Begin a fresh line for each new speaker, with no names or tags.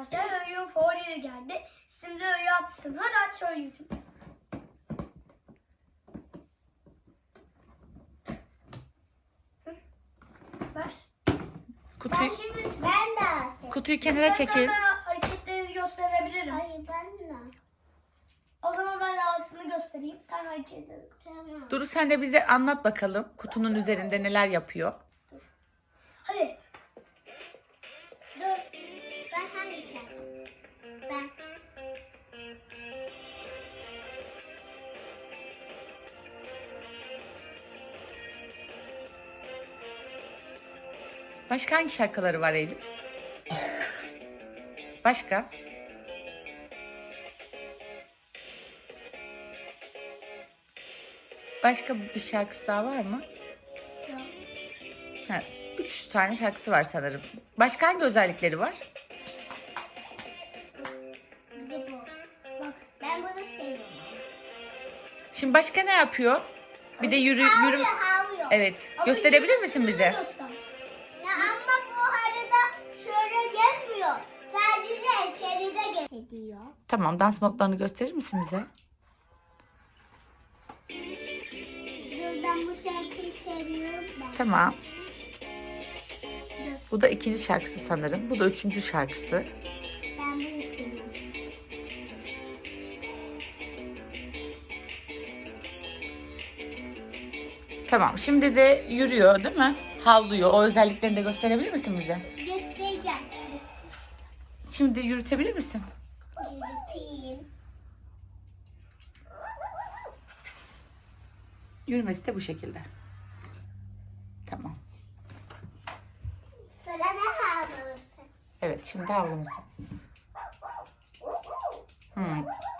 arkadaşlar. Öğün favorileri geldi. Şimdi öğü atsın. Hadi aç öğücüm. Ver.
Kutuyu,
Ben de atayım.
kutuyu kenara çekil.
Ben hareketlerini gösterebilirim.
Hayır ben de.
O zaman ben de aslını göstereyim. Sen hareketleri.
Tamam.
Duru sen de bize anlat bakalım. Kutunun üzerinde neler yapıyor.
Hadi.
Dur. Ben hangi şarkı? Ben.
Başka hangi şarkıları var Eylül? Başka? Başka bir şarkısı daha var mı? Ha, 3 tane şarkısı var sanırım. Başka hangi özellikleri var?
Bir de bu. Bak ben bunu seviyorum.
Şimdi başka ne yapıyor? Bir de yürü.
Havlıyor.
Evet.
Ama
Gösterebilir misin
yürüyüşünü
bize?
göster.
Ya ama bu harita şöyle gezmiyor. Sadece içeride geziyor.
Tamam, dans notlarını gösterir misin bize?
Dur ben bu şarkıyı seviyorum ben.
Tamam. Bu da ikinci şarkısı sanırım. Bu da üçüncü şarkısı.
Ben bunu seviyorum.
Tamam. Şimdi de yürüyor, değil mi? Havlıyor. O özelliklerini de gösterebilir misin bize?
Göstereceğim.
Şimdi yürütebilir misin?
Yürüteyim.
Yürümesi de bu şekilde. Tamam.
Sırada havlaması.
Evet, şimdi havlaması.